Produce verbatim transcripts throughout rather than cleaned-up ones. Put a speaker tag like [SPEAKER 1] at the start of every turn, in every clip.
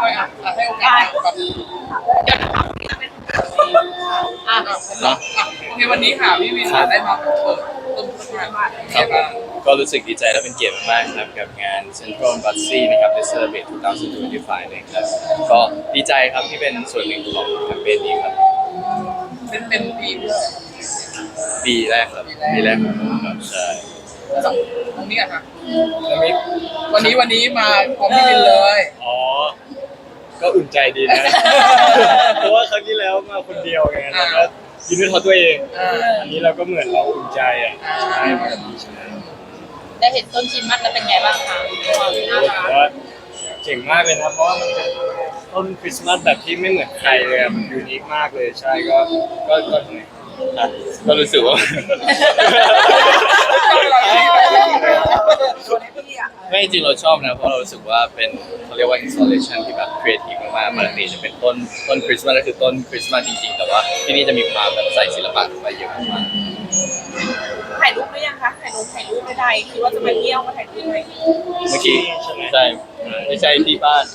[SPEAKER 1] อยอ่ะให้โอกาสแบบอ่ะเนาะโอเควันนี้ค่ะพี่วินได้มาเปิดต้นงานบ้านครับผม
[SPEAKER 2] ก็รู้สึกดีใจและเป็นเกียรติมากๆครับกับงาน Central Bussy นะครับ The Celebrate สองพันยี่สิบห้านะครับก็ดีใจครับที่เป็นส่วนหนึ่งของแคมเปญนี้ครับ
[SPEAKER 1] เป็นเป็นปี
[SPEAKER 2] ปีแรกครับปีแรกของผมครับใช่
[SPEAKER 1] ตรงนี้อะค่ะวันนี้วันนี้มาของพี่วินเลย
[SPEAKER 3] อ๋อก็อุ่นใจดีนะเพราะว่าครั้งที่แล้วมาคนเดียวไงแล้วก็ยืนด้วยตัวเองอันนี้เราก็เหมือนเราอุ่นใจอ่ะใช่ใช่
[SPEAKER 4] ได้เห็นต้นคริสต์มาสแล้วเป็นไงบ้างคะ
[SPEAKER 3] ว่าเจ๋งมากเลยนะเพราะว่ามันเป็นต้นคริสต์มาสแบบที่ไม่เหมือนใครเลยมันยูนิคมากเลยใช่ก็ก็ก็
[SPEAKER 2] ก็รู้สึกว่าไม่จริงเราชอบนะเพราะเรารู้สึกว่าเป็นเขาเรียกว่า installation ที่แบบครีเอทีฟมากๆปกติจะเป็นต้นต้นคริสต์มาสก็คือต้นคริสต์มาสจริงๆแต่ว่าที่นี่จะมีความแบบใส่ศิลปะลงไปเยอะมาก
[SPEAKER 4] ถ่ายรูปหรือยังคะถ่ายรูปถ่ายรูปไม่ได้คิดว่าจะไปเที่ยวมาถ่ายรูปไหม
[SPEAKER 2] เมื่อกี้ใช่ไม่ใช่ที่บ้าน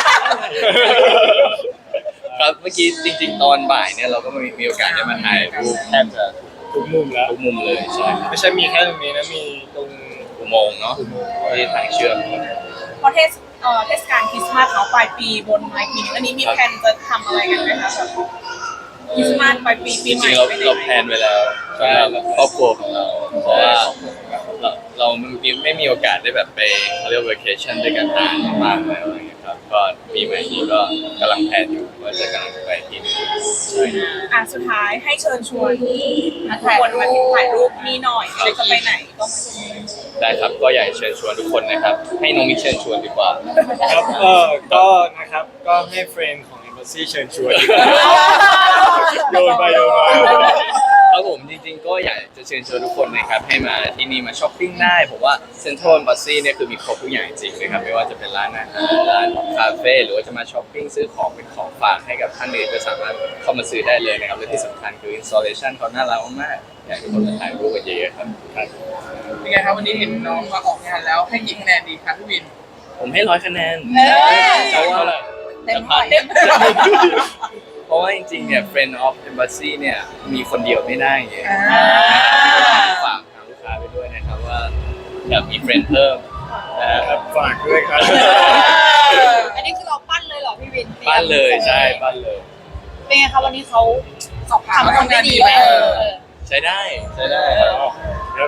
[SPEAKER 2] ครับเมื่อกี้จริงๆตอนบ่ายเนี่ยเราก็มีมีโอกาสได้มาถ่ายรูปแทบจะ
[SPEAKER 3] ทุกมุมแล้ว
[SPEAKER 2] ทุกมุมเลยใช่
[SPEAKER 3] ไม่ใช่มีแค่ตรงนี้นะมีตรง
[SPEAKER 2] อุโมงค์เนาะที่ทางเชื่อม
[SPEAKER 4] พอเทศเอ่อเทศกาลคริสต์มาสเนาะปลายปีบนปลายปีอันนี้มีแผนจะทำอะไรกันไหมคะแบบคริสต์มาสปลายปีปีใหม่
[SPEAKER 2] เราเราแพลนไว้แล้วสำหรับครอบครัวของเราเพราะว่าเราเราไม่มีโอกาสได้แบบไปเขาเรียกว่า vacation ด้วยกันนานมากแล้วอะไรเงี้ยครับก็ปีใหม่นี้ก็กำลังแพลนอยู่ว่าจะกำลังไปที่นี่ใช่
[SPEAKER 4] อ่ะสุดท้ายให้เชิญชวนทุกคนมาถ่ายรูปนี่หน่อยเราจะไปไหนก็มา
[SPEAKER 2] ได้ครับก็อยากเชิญชวนทุกคนนะครับให้น้องมิเชิญชวนดีกว่า
[SPEAKER 3] ครับเออก็นะครับก็ให้เฟรนด์ของ Embassy เชิญชวนโยนไปโยนมา
[SPEAKER 2] ครับผมจริงๆก็อยากจะเชิญชวนทุกคนนะครับให้มาที่นี่มาช้อปปิ้งได้ผมว่า Central Bussy เนี่ยคือมีครบทุกอย่างจริงนะครับไม่ว่าจะเป็นร้านอาหารร้านคาเฟ่หรือว่าจะมาช้อปปิ้งซื้อของเป็นของฝากให้กับท่านอื่นก็สามารถเข้ามาซื้อได้เลยนะครับและที่สำคัญคือ installation เขาน่ารักมากอยากให้ทุกคนมาถ่ายรูปกันเยอะๆครับ
[SPEAKER 1] เป็นไงครับวันนี้เห็นน้องมาออกงานแล้วให้กี่คะแนนดีครับพี่วิน
[SPEAKER 2] ผมให้ร้อยคะแนน
[SPEAKER 4] จะว่า
[SPEAKER 2] เต็มพันเพราะว่าจริงๆเนี่ย Friend of Embassy เนี่ยมีคนเดียวไม่ได้ไงฝากทางลูกค้าไปด้วยนะครับว่าอยากมีเฟรนด์เพิ่ม
[SPEAKER 3] นะครับฝากด้วยครับ
[SPEAKER 4] อันนี้คือเราปั้นเลยเหรอพี่วิน
[SPEAKER 2] ปั้นเลยใช่ปั้นเลย
[SPEAKER 4] เป็นไงคะวันนี้เขาทำทำได้ดีไหม
[SPEAKER 2] ใช้ได้ใช้ได้
[SPEAKER 3] ครับ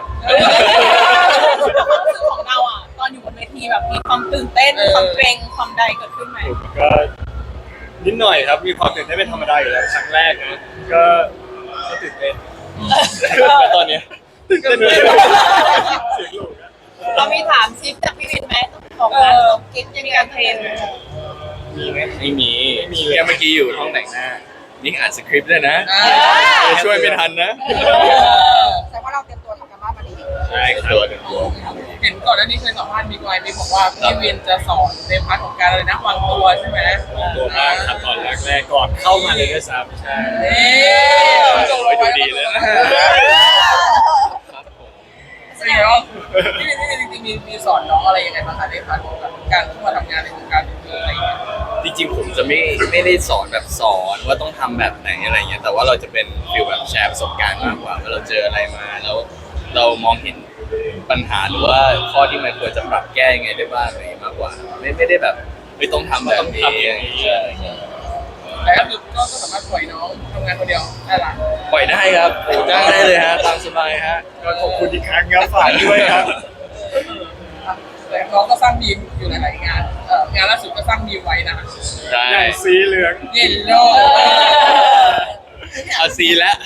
[SPEAKER 4] ของเราอ่ะตอนอยู่บนเวทีแบบมีความตื่นเต้นความเกรงความใดเกิดขึ้นไหม
[SPEAKER 3] ก็นิดหน่อยครับมีความตื่นเต้นเป็นธรรมดาอยู่แล้วครั้งแรกนะก็ก็ตื่นเต้น
[SPEAKER 2] แต่ตอนนี้
[SPEAKER 3] ตื่นเต้นเลย
[SPEAKER 4] เรามีถามชิปจากพี่วินไหมของงานกิฟต์จะมีการเทรน
[SPEAKER 3] มีไหม
[SPEAKER 2] ไม่มีแค่เมื่อกี้อยู่ห้องแต่งหน้านี่อ่านสคริปต์ด้วยนะช่วยไม่ทันนะ
[SPEAKER 4] แต่ว่าเราเตรียมตัวทำการบ้านมาดี
[SPEAKER 2] ใช่ตัวเตรียมตัว
[SPEAKER 1] เห็นก่อนหน้านี้เคยสัมภาษณ์มีกอยมีบอกว่าพี่วินจะสอนในพาร์ทของการอะไรนะวางตัวใช่ไหม
[SPEAKER 3] วางตัวมากครับตอนแรกแรกก่อนเข้ามาเลยด้วยซ้ำใช่
[SPEAKER 2] จงไปดูดีเลยนะ
[SPEAKER 1] แสดงว่าพี่วินจริงๆมีมีสอนน้องอะไรยังไงบ้างคะในพาร์ทของการเข้ามาทำงานในวงการอะไรอย่างเงี้ย
[SPEAKER 2] จริงๆผมจะไม่ไม่ได้สอนแบบสอนว่าต้องทำแบบไหนอะไรเงี้ยแต่ว่าเราจะเป็นฟีลแบบแชร์ประสบการณ์มากกว่าว่าเราเจออะไรมาแล้วเรามองเห็นปัญหาหรือว่าข้อที่มันควรจะปรับแก้ยังไงได้บ้างอะไรมากกว่าไม่ไม่ได้แบบไม่ต้องทำแบบนี้
[SPEAKER 1] แต่ก็คือก็สามารถปล่อยน้องทำงานคนเดียวได้ละ
[SPEAKER 2] ปล่อยได้ครับโอ้จ้างได้เลยฮะตามสบายฮะ
[SPEAKER 3] ก็ขอบคุณอีกครั้งครับฝากด้วยครับ
[SPEAKER 1] น้องก็สร้างบีมอยู่หลายๆงานงานล่าสุดก็สร้างบีมไว้นะ
[SPEAKER 2] ใช่
[SPEAKER 3] สีเหลือง
[SPEAKER 1] เย็นโล
[SPEAKER 2] เอาสีแล้ว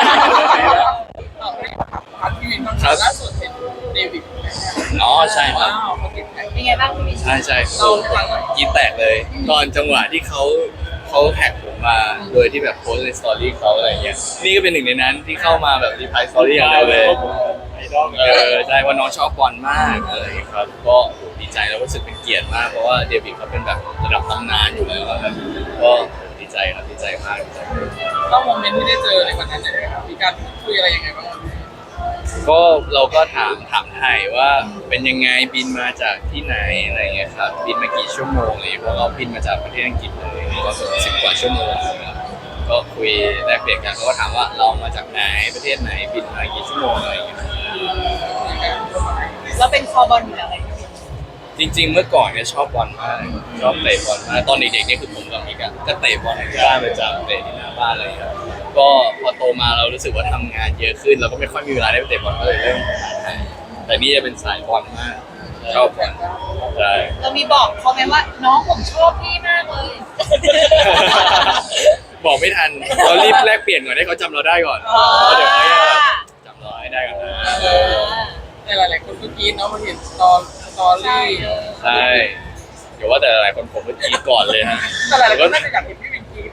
[SPEAKER 1] พัดพี่วินบ้างล่าสุดเห็นเดวิด
[SPEAKER 2] อ๋อใช่ครับ
[SPEAKER 4] เป็นไงบ้างพี่วิน
[SPEAKER 2] ใช่ใช่เรากินแตกเลยตอนจังหวะที่เขาเขาแท็กผมมาโดยที่แบบโพสในสตอรี่เขาอะไรเงี้ยนี่ก็เป็นหนึ่งในนั้นที่เข้ามาแบบรีพลายสตอรี่อย่างเดียวเลยเออใช่ว่าน้องชอบบอลมากอะไรครับก็ดีใจแล้วรู้สึกเป็นเกียรติมากเพราะว่าเดวิดเขาเป็นแบบระดับตำนานอยู่แล้วครับก็ดีใจครับดีใจมากดีใจ
[SPEAKER 1] ก็โมเมนต์ที่ได้เจอในวันนั้นเลยครับมีการคุยอะไรยังไงบ้าง
[SPEAKER 2] ก็เราก็ถามถามไทยว่าเป็นยังไงบินมาจากที่ไหนอะไรเงี้ยครับบินมากี่ชั่วโมงอะไรเลยเพราะเราบินมาจากประเทศอังกฤษเลยก็สิบกว่าชั่วโมงนะครับก็คุยแลกเปลี่ยนกันเขาก็ถามว่าเรามาจากไหนประเทศไหนบินมากี่ชั่วโมงอะไรเงี้ย
[SPEAKER 4] แล้วเป็นคอบอลหรืออะไร
[SPEAKER 2] จริงๆเมื่อก่อนเนี่ยชอบบอลมากชอบเตะบอลมากตอนเด็กๆนี่คือผมกับมิกอะก็เตะบอลที่บ้านประจำเตะที่หน้าบ้านอะไรอย่างเงี้ยก็พอโตมาเรารู้สึกว่าทำงานเยอะขึ้นเราก็ไม่ค่อยมีเวลาได้ไปเตะบอลก็เลยเริ่มแต่นี่จะเป็นสายบอลมากชอบบอลใช่
[SPEAKER 4] เรามีบอกเขาไหมว่าน้องผมชอบพี่มากเลย
[SPEAKER 2] บอกไม่ทันเรารีบแลกเปลี่ยนก่อนให้เขาจำเราได้ก่อนแล้วเดี๋ยวเขาจะจำเราให้ได้ก่อนนะ
[SPEAKER 1] แต่หลายๆคนก็กรี๊ดเนาะมาเห็นสตอสตอรี่
[SPEAKER 2] ใช่เดี๋ยวว่าแต่หลายคนผมก็กรีดก่อนเลยฮะ
[SPEAKER 1] แต่หลายๆคนน่าจะอยากเห็นพี่วินกรี๊ด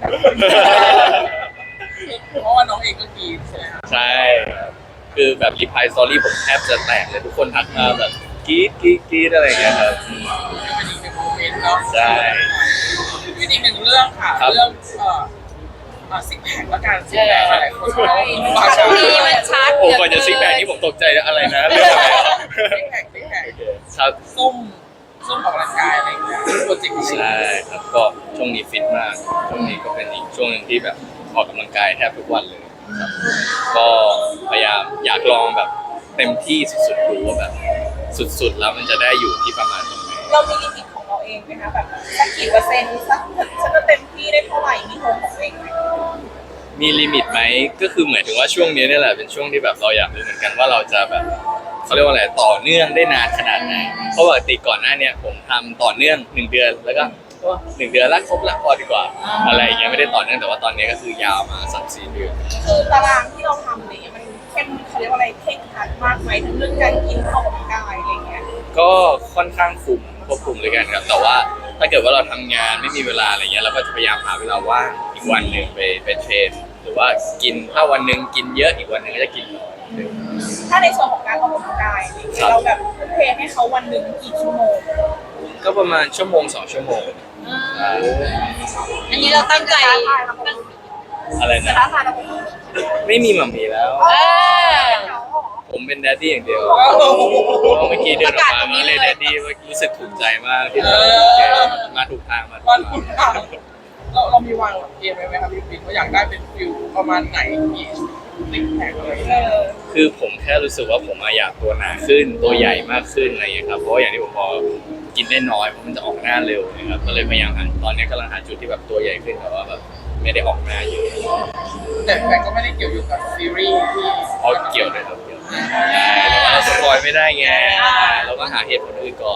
[SPEAKER 1] เพราะว่าน้องเองก็กรี๊ดใช่ไหมครับ
[SPEAKER 2] ใช่คือแบบรีพลายสตอรี่ผมแทบจะแตกเลยทุกคนทักมาแบบกรี๊ดกรี๊ดกรี๊ดอะไรอย่างเงี้ยครับ
[SPEAKER 1] เป็นอีกหนึ่งโมเมนต์เนาะ
[SPEAKER 2] ใช่
[SPEAKER 1] เป็นอีกหนึ่งเรื่องค่ะ
[SPEAKER 2] ครับ
[SPEAKER 1] เรื่องเอ่อเอ่อซิกแพคและการซิกแพคหลายๆคนเขา
[SPEAKER 4] บางทีมันชัด
[SPEAKER 2] โอ้ก่อนจะซิกแพคนี่ผมตกใจอะไรนะเรื่องอะไรอ่ะ
[SPEAKER 1] ซิกแพคซิกแพค
[SPEAKER 2] ครับ
[SPEAKER 1] ซุ่มซุ่มออกกำลังกายอะไรอย่างเงี้ยโปรเจกต์นี้
[SPEAKER 2] ใช่ครับก็ช่วงนี้ฟิตมากช่วงนี้ก็เป็นอีกช่วงหนึงที่แบบออกกำลังกายแทบทุกวันเลยครับก็พยายามอยากลองแบบเต็มที่สุดๆดูว่าแบบสุดๆแล้วมันจะได้อยู่ที่ประมาณตรงไหน
[SPEAKER 4] เรามีลิมิตของเราเองไหมคะแบบสักกี่เปอร์เซ็นต์สักฉันจะเต็มที่ได้เท่าไหร่มีโฮมของตัวเองไหม
[SPEAKER 2] มีลิมิตไหมก็คือเหมือนถึงว่าช่วงนี้นี่แหละเป็นช่วงที่แบบเราอยากรู้เหมือนกันว่าเราจะแบบเขาเรียกว่าอะไรต่อเนื่องได้นานขนาดไหนเพราะปกติก่อนหน้าเนี้ยผมทำต่อเนื่องหนึ่งเดือนแล้วก็ก็หนึ่งเดือนละครบละพอดีกว่า อะไรอย่างเงี้ยไม่ได้ต่อเนื่องแต่ว่าตอนนี้ก็คือยาวมาสามสี่เดือน
[SPEAKER 4] คือตารางที่เราทำอะไรเงี้ยมันเข้มเขาเรียกว่าอะไรเคร่งครัดมากไหมทั้งเรื่องการกินออกกำลังกายอะไรเงี้ย
[SPEAKER 2] ก็ค่อนข้างคุมควบคุมเลยกันครับแต่ว่าถ้าเกิดว่าเราทำงานไม่มีเวลาอะไรเงี้ยเราก็จะพยายามหาเวลาว่างอีกวันหนึ่งไปไปเทรนหรือว่ากินถ้าวันหนึ่งกินเยอะอีกวันหนึ่งก็จะกินน้อย
[SPEAKER 4] ถ้าในส่วนของการออกกำลังกายอะไรเงี้ยเราแบบทุ่มเทให้เขาวันหนึ่งกี่ชั่วโมง
[SPEAKER 2] ก็ประมาณชั่วโมงสองชั่วโมงใช่
[SPEAKER 4] อันนี้เราตั้งใจ
[SPEAKER 2] อะไร
[SPEAKER 4] จะ
[SPEAKER 2] นะ
[SPEAKER 4] ท้าทายเราไหม
[SPEAKER 2] ไม่มีหม่ำมีแล้ว
[SPEAKER 4] เออ
[SPEAKER 2] ผมเป็นแดดดี้อย่างเดียวเพราะเมื่อกี้เดินออกมาก็เลยแดดดี้รู้สึกถูกใจมากที่แบบมาถูกทางมาถูก
[SPEAKER 1] วัน
[SPEAKER 2] ทาง
[SPEAKER 1] คุณถามเราเรามีวางเกมไว้ไหมครับพี่ปิ๊กว่าอยากได้เป็นฟิลประมาณไหนกี่ซิกแพคอะไรอย่าง
[SPEAKER 4] เอ
[SPEAKER 1] เงี้ย
[SPEAKER 4] อ
[SPEAKER 2] คือผมแค่รู้สึกว่าผมอยากตัวหนาขึ้นตัวใหญ่มากขึ้นอะไรอย่างเงี้ยครับเพราะว่าอย่างที่ผมบอกกินได้น้อยเพราะมันจะออกหน้าเร็วนะครับก็เลยพยายามหาตอนนี้กำลังหาจุดที่แบบตัวใหญ่ขึ้นแต่ว่าแบบไม่ได้ออกหน้าเยอะ
[SPEAKER 1] แต่แต่ก็ไม่ได้เกี่ยวอยู่กับซีรีส์ที่
[SPEAKER 2] เพราะเกี่ยวเลยครับเกี่ยวแต่ว่าเราสปอยไม่ได้ไงเราก็หาเหตุผลอื่นก่อน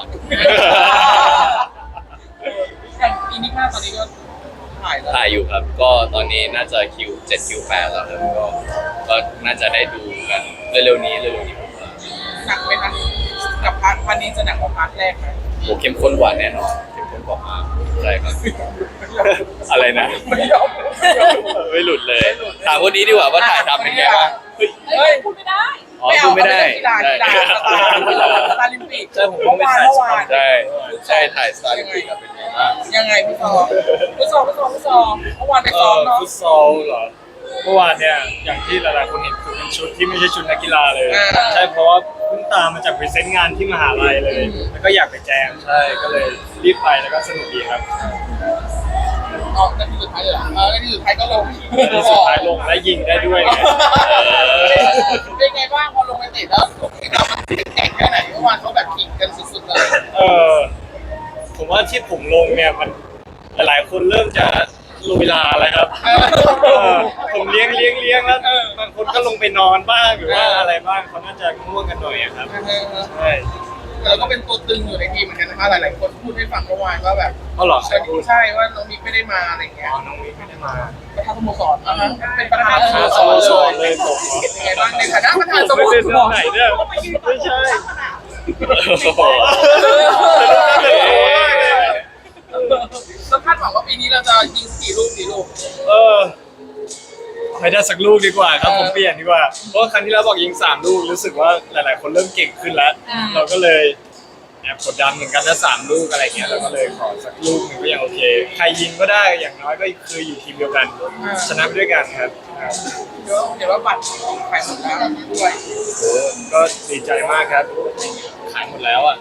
[SPEAKER 1] อย่างปีนี้มาตอนนี้ก็ถ่ายแล้ว
[SPEAKER 2] ถ่ายอยู่ครับ ก็ตอนนี้น่าจะคิวเจ็ดคิวแปดแล้วครับก็ก็น่าจะได้ดูกันเร็วๆนี้เร็วๆนี้ผมว่า
[SPEAKER 1] หนักไหมคะกับพาร์ทวันนี้จะหนักกว่าพาร์ทแรกไหม
[SPEAKER 2] โหเข้มข้นกว่าแน่นอนเข้มข้นกว่ามากใช่ครับ อะไรนะ
[SPEAKER 1] ไม่ยอม
[SPEAKER 2] ไม่หลุดเลยถามคนนี้ดีกว่าว่าถ่ายทำเป็นไงบ้าง
[SPEAKER 4] เฮ้ยพูดไม่ได้
[SPEAKER 2] อ๋อพูดไม่ได้
[SPEAKER 1] กีฬากีฬาสตาร์กีฬาสตาร์ลิมปิก
[SPEAKER 3] ใช่ผมก็
[SPEAKER 1] เมื่อ
[SPEAKER 3] ไม่
[SPEAKER 1] วาน
[SPEAKER 3] ถ่าย
[SPEAKER 1] เมื่อวาน
[SPEAKER 2] ใช่ใช่ถ่ายสตาร์ลิมปิกครับเป็นไงบ้าง
[SPEAKER 1] ยังไงพี่ซอพี่ซอพี่ซอพี่ซอเมื่อวานไป
[SPEAKER 3] เอ
[SPEAKER 1] ซ้อ
[SPEAKER 3] อ
[SPEAKER 1] มเนาะ
[SPEAKER 3] ฟุตซอลเหรอเมื่อวานเนี่ยอย่างที่หลายๆคนเห็นคือเป็นชุดที่ไม่ใช่ชุดนักกีฬาเลย ใช่เพราะว่าเพิ่งตามมาจากพรีเซนต์งานที่มหาลัยเลย แล้วก็อยากไปแจมใช่ก็เลยรีบไปแล้วก็สนุกดีครับ
[SPEAKER 1] อ๋อนาทีสุดท้ายเลยเหรอเออนาทีสุดท้ายก็ลง
[SPEAKER 3] ที่สุดท้ายลงและยิงได้ด้วยไง
[SPEAKER 1] เป็นไงบ้างพอลงไปเตะแล้วเรามันแข่งแค่ไหนเมื่อวานเขาแบบขิงกันสุดๆเลย
[SPEAKER 3] เออผมว่าที่ผมลงเนี่ยมันหลายๆคนเริ่มจะลงเวลาแล้วครับเออผมเลี้ยงเลี้ยงเลี้ยงแล้วบางคนก็ลงไปนอนบ้างหรือว่าอะไรบ้างเขาน่าจะง่วงกันหน่อยอะครับใช่
[SPEAKER 1] เราก็เป็นตัวตึงอยู่ในทีมเหมือนกันนะคะหลายๆคนพูดให้ฟังเมื่อวานว่าแบบ
[SPEAKER 3] เขาหรอใครพูด
[SPEAKER 1] ใช่ว่าน้องมิกไม่ได้มาอะไรอย่างเงี้ย
[SPEAKER 3] อ๋อน้องวิไม่ได้มา
[SPEAKER 1] ประธานสโมสรอ่ะฮะเป็นประธาน
[SPEAKER 3] ประธานสโมสรเลยผมเหรอ
[SPEAKER 1] เป็นไงบ้างในฐานะประธานส
[SPEAKER 3] ผม
[SPEAKER 1] โม
[SPEAKER 3] ไม่
[SPEAKER 1] ส
[SPEAKER 3] ได้
[SPEAKER 1] ร
[SPEAKER 3] เรื่องไหนเนี่ยไม่ใช่
[SPEAKER 2] โอ้โห
[SPEAKER 1] เราคาดหวังว่าปีนี้เราจะยิงกี่ลูกกี่ลูก
[SPEAKER 3] เออไม่ได้สักลูกดีกว่าครับผมเปลี่ยนดีกว่าเพราะว่าครั้งที่แล้วบอกยิงสามลูกรู้สึกว่าหลาย ๆ คนเริ่มเก่งขึ้นแล้ว เราก็เลยแอบกดดันเหมือนกันนะสามลูกอะไรเงี้ยเราก็เลยขอสักลูกหนึงก็ยังโอเค ใครยิงก็ได้อย่างน้อยก็คืออยู่ทีมเดียวกัน ชนะไปด้วยกันครับครับ
[SPEAKER 1] เดี๋ยวเดี๋ยวว่าบัตรขายหมดแล้วด้วย
[SPEAKER 3] โอ้ก็ดีใจมากครับขายหมดแล้วอ่ะ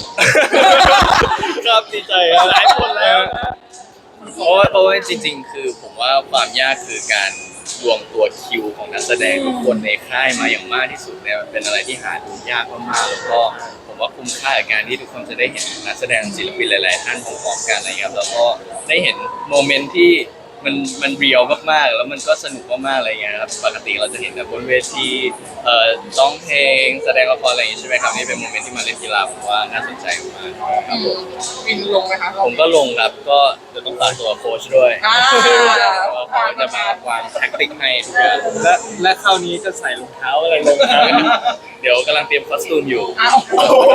[SPEAKER 3] ครับดีใจครับขายหมดแล้ว
[SPEAKER 2] เพราะว่าเพราะว่าจริงๆ คือผมว่าความยากคือการรวมตัวคิวของนักแสดงทุกคนในค่ายมาอย่างมากที่สุดเนี่ยมันเป็นอะไรที่หาดูยากมากๆแล้วก็ผมว่าคุ้มค่ากับการที่ทุกคนจะได้เห็นนักแสดงศิลปินหลาย ๆ ท่านพร้อมๆกันอะไรเงี้ยครับแล้วก็ได้เห็นโมเมนต์ที่มันมันเรียลมากๆแล้วมันก็สนุกมากๆอะไรเงี้ยครับปกติเราจะเห็นแต่บนเวทีเอ่อร้องเพลงแสดงละครอะไรอย่างงี้ใช่ไหมครับนี่เป็นโมเมนต์ที่มาเล่นกีฬาผมว่าน่าสนใจมากครับผม
[SPEAKER 1] วินลงไหมคะ
[SPEAKER 2] ผมก็ลงครับก็จะต้องฝากตัวโค้ชด้วย
[SPEAKER 1] อ่า
[SPEAKER 2] ว่าเขาจะมาวางแท็กติกให้ทุกอย่าง
[SPEAKER 3] และและคราวนี้จะใส่รองเท้าอะไรลงครับ
[SPEAKER 2] เดี๋ยวกำลังเตรียมคอสตูมอยู่
[SPEAKER 1] อ้าว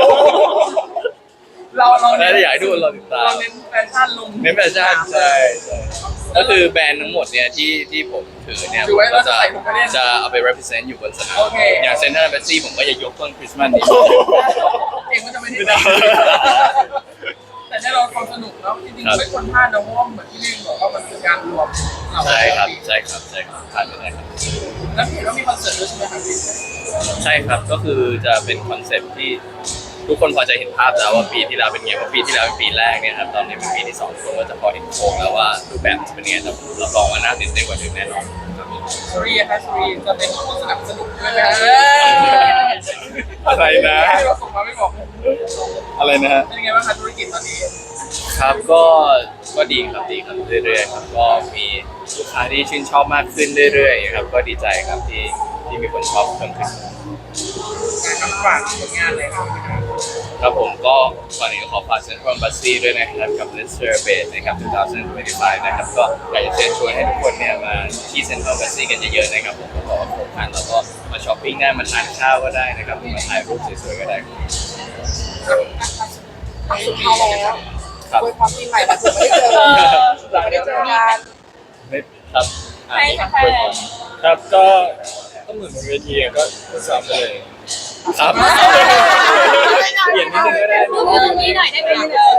[SPEAKER 1] เราเรา
[SPEAKER 2] ถ้าอยากให้ทุกคนรอติดตา
[SPEAKER 1] เรา
[SPEAKER 2] ม
[SPEAKER 1] เน้นแฟชั่นลง
[SPEAKER 2] เน้นแฟชั่นใช่ใช่ก็คือแบรนด์ทั้งหมดเนี่ยที่ที่ผมถือเนี่ย
[SPEAKER 1] ถือไว้
[SPEAKER 2] ผมก็จะ
[SPEAKER 1] ว่าใส่ผมไปเล่น
[SPEAKER 2] จะเอาไป represent อยู่บนสนาม
[SPEAKER 1] โอเค
[SPEAKER 2] อย่างเซนทรัลแบซี่ผมก็จะยกต้นคริสต์มาสนี้
[SPEAKER 1] เองก็จะไม่ได้แต่แน่นอนความสนุกเนาะจริงๆไม่ควรพลาดนะเพราะว่าเหมือนที่พี่บอกว่ามันคือการรวมเหล่า
[SPEAKER 2] ใช่ครับใช่ครับใช่ครับผ่านไปได้ครับ
[SPEAKER 1] แล้วเห็นว่ามีคอนเสิร์ตด้วยใช่ไหมครับพี่
[SPEAKER 2] ใช่ครับก็คือจะเป็นคอนเซ็ปต์ที่ทุกคนพอจะเห็นภาพแล้วว่าปีที่แล้วเป็นไงเพราะปีที่แล้วเป็นปีแรกเนี่ยครับตอนนี้เป็นปีที่สองทุกคนก็จะพอเห็นโครงแล้วว่ารูปแบบจะเป็นยังไงแต่ผมรับรองว่าน่าตื่นเต้นกว่าเดิมแน่นอนครับ
[SPEAKER 1] สุรีค่ะสุรีจะเป็นผู้สนับสนุนด้วยนะ
[SPEAKER 2] อะไรนะ
[SPEAKER 1] ให้เราส่งมาไม่บอก
[SPEAKER 2] อะไรนะฮะ
[SPEAKER 1] เป็นยังไงบ้างคะธุรกิจตอนนี้
[SPEAKER 2] ครับก็ก็ดีครับดีครับเรื่อยๆครับก็มีลูกค้าที่ชื่นชอบมากขึ้นเรื่อยๆครับก็ดีใจครับที่ที่มีคนชอบเพิ่มขึ้น
[SPEAKER 1] งานฝากผลงานเลยครับ
[SPEAKER 2] ครับผมก็ก่อนอื่นขอฝาก Central Embassy ด้วยนะครับกับ Let's Celebrate นะครับสองพันยี่สิบห้านะครับก็อยากจะเชิญชวนให้ทุกคนเนี่ยมาที่ Central Embassy กันเยอะๆนะครับผมก็บอกว่าครบครันแล้วก็มาช้อปปิ้งได้มาทานข้าวก็ได้นะครับมาถ่ายรูปสวยๆก็ได้ครับ
[SPEAKER 1] สุดท้ายแล้ว
[SPEAKER 2] ครับ
[SPEAKER 1] อวยพรปีใหม่มาถึงไม่ได้เจอไม่ได้เจอกัน
[SPEAKER 2] ไม่ครับอ่ะ
[SPEAKER 4] ให้แฟน
[SPEAKER 3] ครับก็ก็เหมือนบนเวทีอะก็ก็สามเลย
[SPEAKER 2] ครับ
[SPEAKER 3] เปลี่ยนนิดนึงก็ได้
[SPEAKER 4] พูดเรื่องนี้หน่อยได้ไหม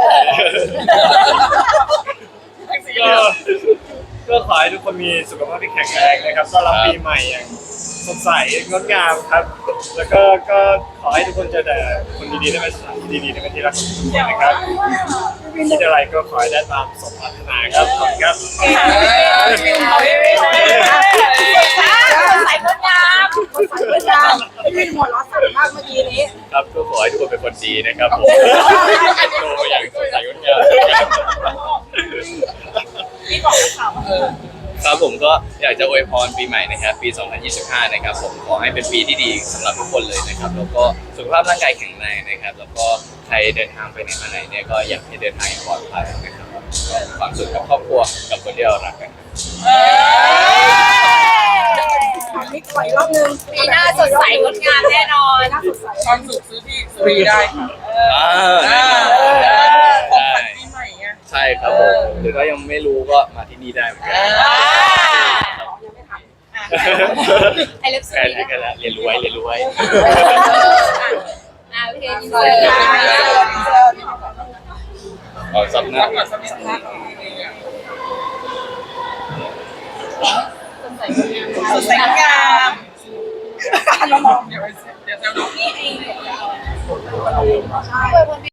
[SPEAKER 3] ก็ก็ขอให้ทุกคนมีสุขภาพที่แข็งแรงนะครับต้อนรับปีใหม่อย่างสดใสงดงามครับ แล้วก็ก็ขอให้ทุกคนเจอแต่คนดีๆได้เป็นสถานที่ดีๆได้เป็นที่รักของทุกคนนะครับคิดอะไรก็ขอให้ได้ตามสมปรารถนาครับขอบคุณครับ
[SPEAKER 4] ใส่งดงามใส่งดงามพี่หัวล้อสั่นมากเมื่อกี้นี้
[SPEAKER 2] ครับก็ขอให้ทุกคนเป็นคนดีนะครับผมโตมาอย่างสดใสงดงาม
[SPEAKER 4] พี่บอกกับเขา
[SPEAKER 2] ครับผมก็อยากจะอวยพรปีใหม่นะครับปี สองพันยี่สิบห้า นะครับผมขอให้เป็นปีที่ดีสำหรับทุกคนเลยนะครับแล้วก็สุขภาพร่างกายแข็งแรงนะครับแล้วก็ใครเดินทางไปไหนมาไหนเนี่ยก็อยากให้เดินทางอย่างปลอดภัยนะครับก็ความสุขกับครอบครัวกับคนที่เรารักกัน
[SPEAKER 4] มีขอยรอบนึงปีหน้าสดใสงดงามแน่นอนน่าสดใส
[SPEAKER 1] ความสุขซื้อที่สุรีได้ค่ะ
[SPEAKER 2] อ่า
[SPEAKER 1] ของขวัญปีใหม่ไง
[SPEAKER 2] ใช่ครับผมหรือก็ยังไม่รู้ก็มาที่นี่ได้เหมือนกัน
[SPEAKER 4] ไอเล็บ
[SPEAKER 2] ใกล้แล้วใกล้แล้วเรียนรู้ไว้เรียนรู้ไว้
[SPEAKER 4] อ่าโอเคยินดีเลย
[SPEAKER 2] ออกซับหน้า
[SPEAKER 1] รับก่อนสักนิดนึง
[SPEAKER 4] สดใสงดงาม
[SPEAKER 1] เดี๋ยวไปเดี๋ยวจะดู
[SPEAKER 4] นี่ไอ